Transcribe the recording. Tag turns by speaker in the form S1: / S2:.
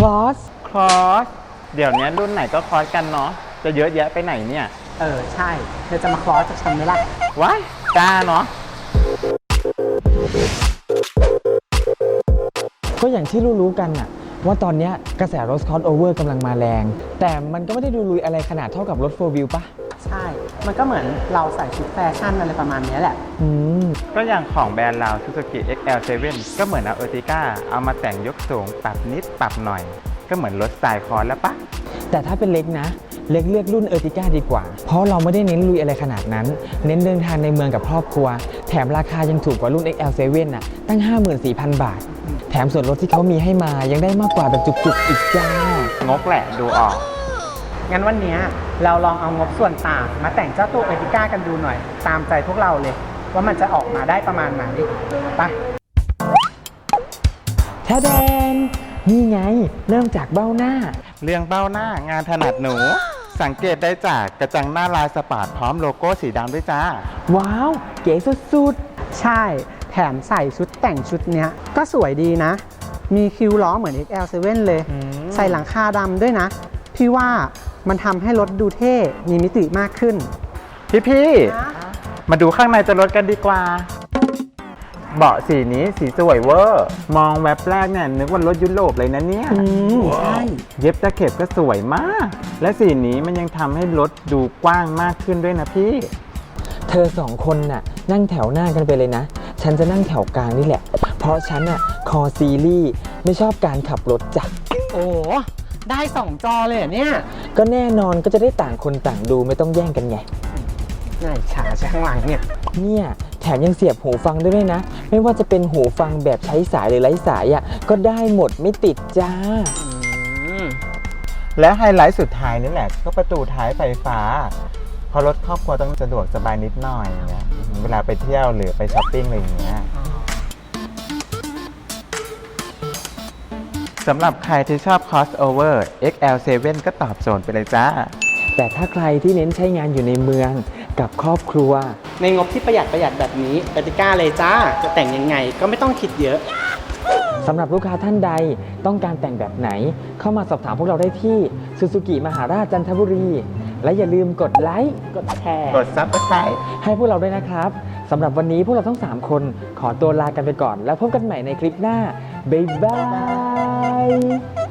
S1: Cross
S2: คลอสเดี๋ยวนี้รุ่นไหนก็คลอสกันเนาะจะเยอะแยะไปไหนเนี่ย
S3: ใช่เธอจะมาคลอสจากฉันไหมล่ะ
S2: ว้ายกล้าเนาะ
S1: ก็อย่างที่รู้ๆกันน่ะว่าตอนเนี้ยกระแสรถ crossover กำลังมาแรง แต่มันก็ไม่ได้ดูลุยอะไรขนาดเท่ากับรถ 4 wheel ปะ
S3: ใช่ มันก็เหมือนเราใส่ชุดแฟชั่นอะไรประมาณนี้แหละ
S1: อืม
S2: ก็อย่างของแบรนด์เรา Suzuki XL7 ก็เหมือนเอา Ertiga เอามาแต่งยกสูงปรับนิดปรับหน่อย ก็เหมือนรถสไตล์คอร์สแล้วปะ
S1: แต่ถ้าเป็นเล็กนะ เล็กเลือกรุ่น Ertiga ดีกว่า เพราะเราไม่ได้เน้นลุยอะไรขนาดนั้น เน้นเดินทางในเมืองกับครอบครัว แถมราคายังถูกกว่ารุ่น XL7 น่ะตั้ง 54,000 บาท แถมส่วนลดที่เขามีให้มายังได้มากกว่าแบบจุกๆอีกจ้า
S2: งกแหละดูออก
S3: งั้นวันนี้เราลองเอางบส่วนต่างมาแต่งเจ้าตัวเอติก้ากันดูหน่อย ตามใจพวกเราเลย ว่ามันจะออกมาได้ประมาณไหนไป
S1: แท้แดนนี่ไง เริ่มจากเบ้าหน้า
S2: เรื่องเบ้าหน้างานถนัดหนู สังเกตได้จากกระจังหน้าลายสปาร์ตพร้อมโลโก้สีดำด้วยจ้า
S1: ว้าว เก๋สุด
S3: ใช่ แถมใส่ชุดแต่งชุดเนี้ยก็สวยดีนะ มีคิ้วล้อเหมือน XL7 เลย ใส่หลังคาดำด้วยนะ พี่ว่ามันทำให้รถดูเท่ มีมิติมากขึ้น
S2: พี่มาดูข้างในตัวรถกันดีกว่า เบาะสีนี้สีสวยเวอร์ มองแวบแรกเนี่ยนึกว่ารถยุโรปเลยนะเนี่ย
S3: ใช่
S2: เย็บตะเข็บก็สวยมาก และสีนี้มันยังทำให้รถดูกว้างมากขึ้นด้วยนะพี่
S1: ๆ เธอสองคนน่ะนั่งแถวหน้ากันไปเลยนะ ฉันจะนั่งแถวกลางนี่แหละ เพราะฉันน่ะคอซีรีส์ไม่ชอบการขับรถจ้ะ
S3: โอ้ได้2 จอเลยเหรอเนี่ย
S1: ก็แน่นอนก็จะได้ต่างคนต่างดูไม่ต้องแย่งกันไง
S3: น่าอิจฉาใช่ข้างหลังเนี่ย
S1: เนี่ยแถมยังเสียบหูฟังด้วยนะ ไม่ว่าจะเป็นหูฟังแบบใช้สายหรือไร้สายอ่ะก็ได้หมดไม่ติดจ้า
S2: และไฮไลท์สุดท้ายนี่แหละก็ประตูท้ายไฟฟ้าเพราะรถครอบครัวต้องสะดวกสบายนิดหน่อยอย่างเงี้ยเวลาไปเที่ยวหรือไปช้อปปิ้งอะไรอย่างเงี้ยสำหรับใครที่ชอบ crossover XL7 ก็ตอบโจทย์ไปเลยจ้า
S1: แต่ถ้าใครที่เน้นใช้งานอยู่ในเมืองกับครอบครัว
S3: ในงบที่ประหยัดแบบนี้เอติก้าเลยจ้า จะแต่งยังไงก็ไม่ต้องคิดเยอะ
S1: สำหรับลูกค้าท่านใดต้องการแต่งแบบไหน เข้ามาสอบถามพวกเราได้ที่ซูซูกิมหาราชจันทบุรี และอย่าลืมกดไลค์กดแชร์
S2: กด Subscribe
S1: ให้พวกเราด้วยนะครับสำหรับวันนี้พวกเราทั้ง 3 คนขอตัวลากันไปก่อน แล้วพบกันใหม่ในคลิปหน้า บ๊ายบาย